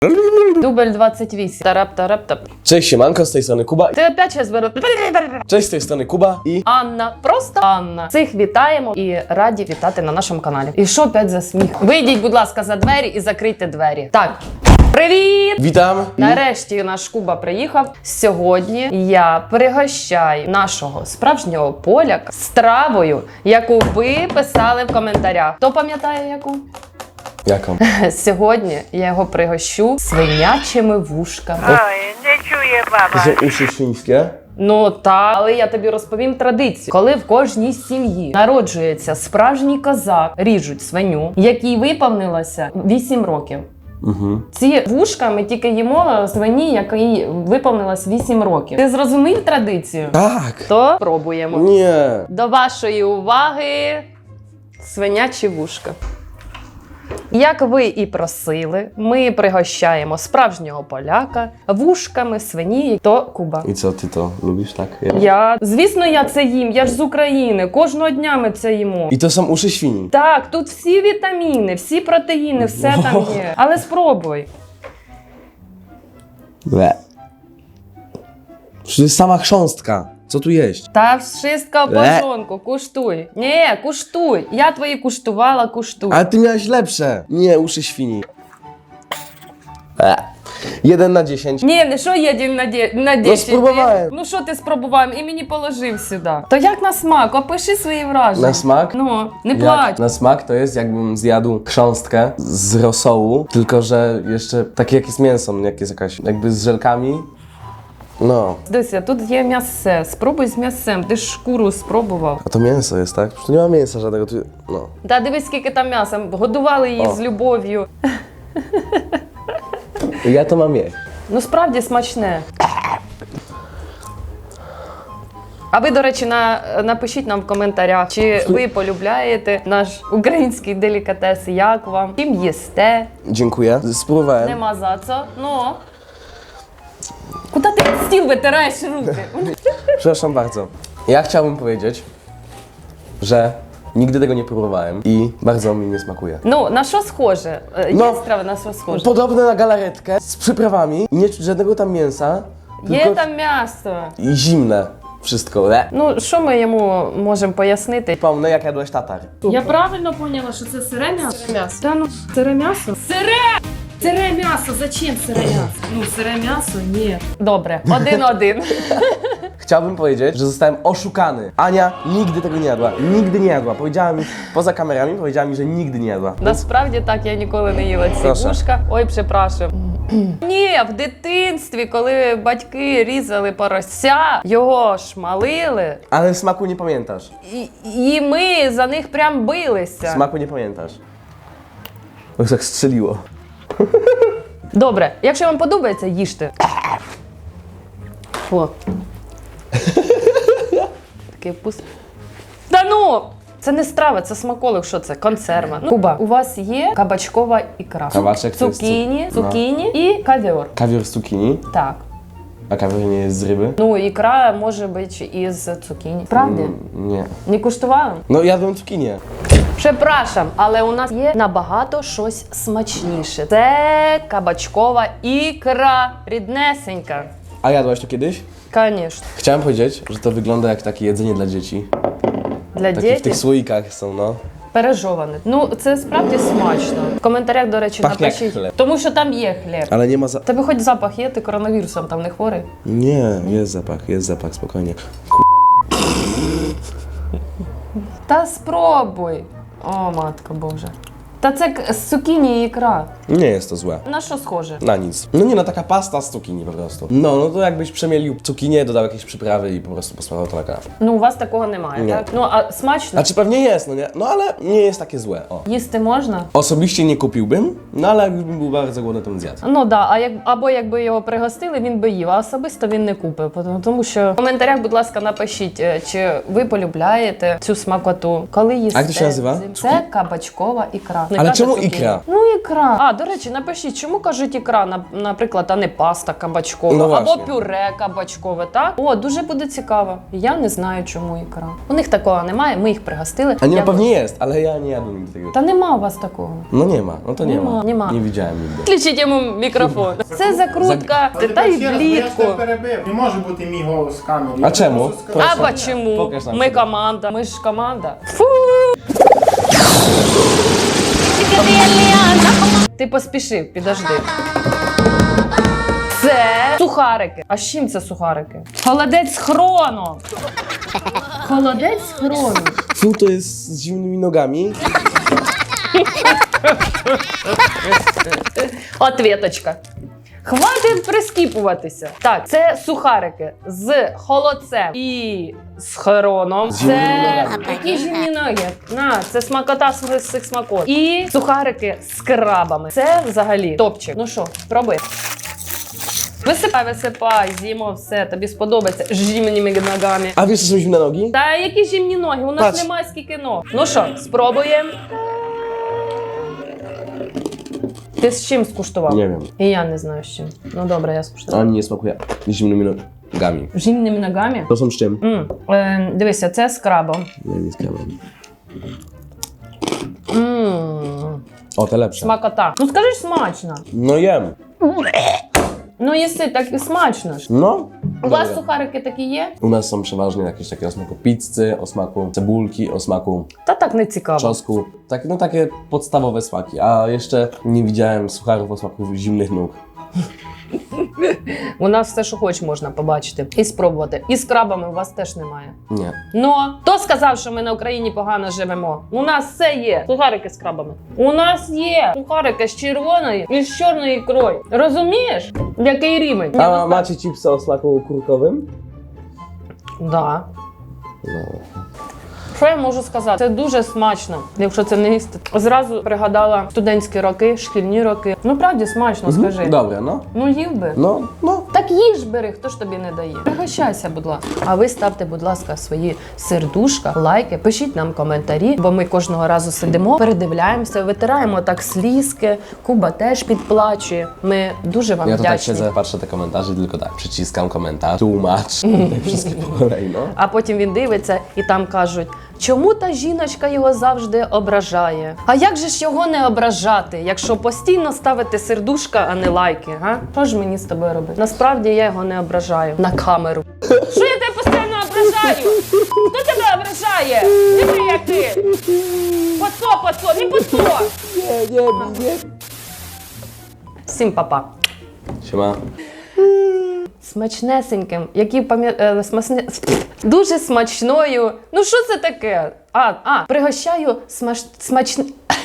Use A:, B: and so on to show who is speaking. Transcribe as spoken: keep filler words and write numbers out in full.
A: Дубль двадцять вісім. Тарап-тарап-тап.
B: Cześć, siemanko, z tej strony Kuba.
A: Ти опять зараз беру.
B: Cześć, z tej strony Kuba i...
A: Анна, просто Анна. Всіх вітаємо і раді вітати на нашому каналі. І що опять за сміх? Вийдіть, будь ласка, за двері і закрийте двері. Так. Привіт!
B: Witam. I...
A: Нарешті наш Куба приїхав. Сьогодні я пригощаю нашого справжнього поляка стравою, яку ви писали в коментарях. Хто пам'ятає яку?
B: Jaką?
A: Сьогодні я його пригощу свинячими вушками.
C: Ой, не чує баба.
B: To są uszy świńskie.
A: Ну так, але я тобі розповім традицію. Коли в кожній сім'ї народжується справжній козак, ріжуть свиню, якій виповнилося вісім років.
B: Mhm.
A: Ці вушка ми тільки їмо свині, якій виповнилось вісім років. Ти зрозумів традицію?
B: Tak.
A: То пробуємо.
B: Nie.
A: До вашої уваги свинячі вушка. Як ви і просили, ми пригощаємо справжнього поляка вушками свині, то Куба.
B: I co, ty to lubisz, tak? Ja.
A: Я, звісно, я це їм, я ж з України, кожного дня ми це їмо.
B: I to są uszy świni.
A: Так, тут всі вітаміни, всі протеїни, все там є. Але спробуй.
B: Ble. Przecież to jest sama chrząstka. Co tu jeść?
A: Та wszystko в порządku, куштуй. Ні, куштуй. Я твої куштувала, куштуй.
B: Ale ty miałeś lepsze. Nie, uszy świni. E. Jeden na dziesięć.
A: Ні, не що є дім на дє- на
B: Ну,
A: десять.
B: спробуваю.
A: Ну що ти спробував і мені положив сюди. То як на смак? Опиши свої враження.
B: Na smak?
A: Ну, не
B: Jak
A: плач.
B: na smak to jest jakbym zjadł chrząstkę z rosołu, tylko że jeszcze takie jak jest mięso, jak jest jakaś jakby z żelkami. No.
A: Дивися, тут є м'ясе. Спробуй з м'ясем. Ти ж шкуру спробував.
B: A to mięso jest, tak? Przecież tu nie ma mięsa żadnego. Tu... No.
A: Та дивись, скільки там м'яса. Годували її
B: О.
A: з любов'ю.
B: Ja to mam jeść.
A: Ну справді смачне. А ви, до речі, на, напишіть нам в коментарях, чи ви полюбляєте наш український делікатес, як вам, чим їсте,
B: Dziękuję. Spróbowałem.
A: нема за це, ну. Куди ти стіл витираєш руки?
B: Przepraszam bardzo. Ja chciałbym powiedzieć, że nigdy tego nie próbowałem i bardzo mi nie smakuje.
A: Ну, на що схоже? Е, Є
B: Ну,
A: страви, на що схоже?
B: Podobne na galaretkę z przyprawami, nie czuć żadnego tam mięsa,
A: Є
B: tylko
A: там м'ясо.
B: i zimne wszystko. Le.
A: Ну, що ми йому можемо пояснити?
B: Pomnę jak jadłeś tatar.
A: Я правильно поняла, що це сире м'ясо? Сире м'ясо. Та ну, сире м'ясо? Сире! Сире м'ясо! Зачем сире м'ясо? Ну, сире м'ясо? Ні. Добре, один-один.
B: Chciałbym powiedzieć, że zostałem oszukany. Ania nigdy tego nie jadła. Nigdy nie jadła. Powiedziała mi, poza kamerami, powiedziała mi, że nigdy nie jadła.
A: Насправді так, я ніколи не їла ці
B: Прошу.
A: вушка. Ой, припрашую. Ні, в дитинстві, коли батьки різали порося, його шмалили,
B: Ale smaku nie pamiętasz.
A: і, і ми за них прям билися.
B: Smaku nie pamiętasz. Bo tak strzeliło.
A: Добре, якщо вам подобається, їжте. О. Такий вкус. Та ну! Це не страва, це смаколик, що це? Консерва. Ну, Куба, у вас є кабачкова ікра.
B: Кабачek to jest
A: Цукіні,
B: cu- no.
A: цукіні і кавіор.
B: Kawior z cukinii,
A: Так.
B: a kawior nie jest z ryby?
A: Ну, ікра може бути із цукіні. Правда?
B: Mm, nie.
A: Не куштували?
B: No jadłem cukinię.
A: Przepraszam, але у нас є набагато щось смачніше. Це кабачкова ікра, ріднесенька.
B: A jadłaś to kiedyś?
A: Звісно.
B: Chciałem powiedzieć, że to wygląda jak takie jedzenie dla dzieci.
A: Для
B: Takie w
A: дітей
B: tych słoikach są, no.
A: пережоване. Ну, це справді смачно. В коментарях, до речі,
B: Пахне як
A: напишіть.
B: хліб.
A: Тому що там є хліб.
B: Ale nie ma za...
A: Тебе хоч запах є, ти коронавірусом там не хворий?
B: Nie, jest zapach, jest zapach, spokojnie.
A: Та спробуй. О, матко Боже. Та це к- з цукіні і ікра.
B: Nie jest to złe.
A: На що схоже?
B: Na nic. No nie no, taka pasta z cukinii po prostu. No, no to jakbyś przemielił cukinię, dodał jakieś przyprawy i po prostu posmarował to na kanapę.
A: Ну, у вас такого немає,
B: Ні.
A: так? Ну, а смачно?
B: Znaczy pewnie jest, no nie? No ale nie jest takie złe, o.
A: Їсти можна?
B: Osobiście nie kupiłbym, no ale jakbym był bardzo głodny, to bym zjadł.
A: Ну да, а як або якби його пригостили, він би їв, а особисто він не купив. Тому- Тому що в коментарях, будь ласка, напишіть, е, чи ви полюбляєте цю смакоту. Коли їсте?
B: як то się nazywa?
A: Це кабачкова ікра. не
B: Але
A: каже
B: чому
A: цукіні.
B: ікра?
A: Ну ікра. А, до речі, напишіть, чому кажуть ікра, на- наприклад, а не паста кабачкова,
B: Ну,
A: або
B: власне.
A: пюре кабачкове, так? О, дуже буде цікаво. Я не знаю, чому ікра. У них такого немає, ми їх пригостили.
B: A nie,
A: Я-
B: no pewnie jest, ale ja nie jadłem nigdy tego.
A: Та нема у вас такого.
B: No nie ma, no to nie
A: Нема,
B: ma.
A: нема.
B: Nie widziałem nigdy.
A: Включіть йому мікрофон. Це закрутка,
D: Але
A: та й
D: ще раз, бо я ж
A: влітку.
D: тебе перебив. Не може бути мій голос в камері.
B: А
D: Я
B: чому?
D: можу сказати,
A: А
D: що ні.
A: почему?
B: Покаж нам
A: Ми
B: себе.
A: команда. Ми ж команда. Фу! Ти поспішив, підожди. Це сухарики. А з чим це сухарики? Холодець з хроном. Холодець з хроном.
B: Fu to jest z zimnymi nogami.
A: Ответочка. Хватить прискіпуватися. Так, це сухарики з холодцем і з хроном.
B: З зімними
A: Це
B: ногами.
A: такі зімні ноги. На, це смакота з з цих смакот. І сухарики з крабами. Це взагалі топчик. Ну що, пробуй. Висипай, висипай, з'їмо все, тобі сподобається з зімними ногами.
B: A wiesz, co są zimne nogi?
A: Та які зімні ноги? У нас
B: Patrz.
A: немає скільки ног. Ну що, спробуємо. Ти з чим скуштував?
B: Nie wiem.
A: І я не знаю з чим. Ну добре, я скуштував.
B: Ani nie smakuje zimnymi nogami.
A: Зімними ногами?
B: To są z czym?
A: М, е, дивися, це з крабом.
B: Nie wiem, z kremem.
A: М,
B: O, te lepsze.
A: смакота. Ну скажи ж смачно.
B: No jem.
A: Ну їси, так і смачно ж.
B: No.
A: У вас
B: Dobre.
A: сухарики такі є?
B: U nas są przeważnie jakieś takie o smaku pizzy, o smaku cebulki, o smaku
A: Та так не цікаво.
B: czosnku. Tak, no takie podstawowe smaki. A jeszcze nie widziałem sucharów o smaku zimnych nóg.
A: У нас все, що хоч можна побачити і спробувати. І з крабами у вас теж немає.
B: Nie.
A: Ну, хто сказав, що ми на Україні погано живемо? У нас все є. Сухарики з крабами. У нас є сухарики з червоною і з чорною ікрою. Розумієш? Який рівень?
B: A macie chipsy o smaku kurkowym?
A: Да.
B: No.
A: Що я можу сказати? Це дуже смачно, якщо це не їсти. Зразу пригадала студентські роки, шкільні роки. Ну, правді смачно, скажи.
B: Dobre, no.
A: Ну, їв би.
B: No, no.
A: Так їж бери, хто ж тобі не дає. Пригощайся, будь ласка. А ви ставте, будь ласка, свої сердушка, лайки, пишіть нам коментарі, бо ми кожного разу сидимо, передивляємося, витираємо так слізки. Куба теж підплачує. Ми дуже вам
B: Ja to tak
A: вдячні.
B: siedzę, patrzę te komentarze i tylko tak, przyciskam komentarz, tłumacz, te wszystkie po kolei, no.
A: А потім він дивиться і там кажуть, чому та жіночка його завжди ображає? А як же ж його не ображати, якщо постійно ставити сердушка, а не лайки? Га? Що ж мені з тобою робити? Насправді я його не ображаю на камеру. Що я тебе постійно ображаю? Хто тебе ображає? Диви, як ти! Пацо, пацо, не пацо!
B: Nie, nie, nie.
A: Всім па-па.
B: Siema.
A: Смачнесеньким, які пам'ятаю, смасне... дуже смачною. Ну що це таке? А, а, пригощаю смач... смачн...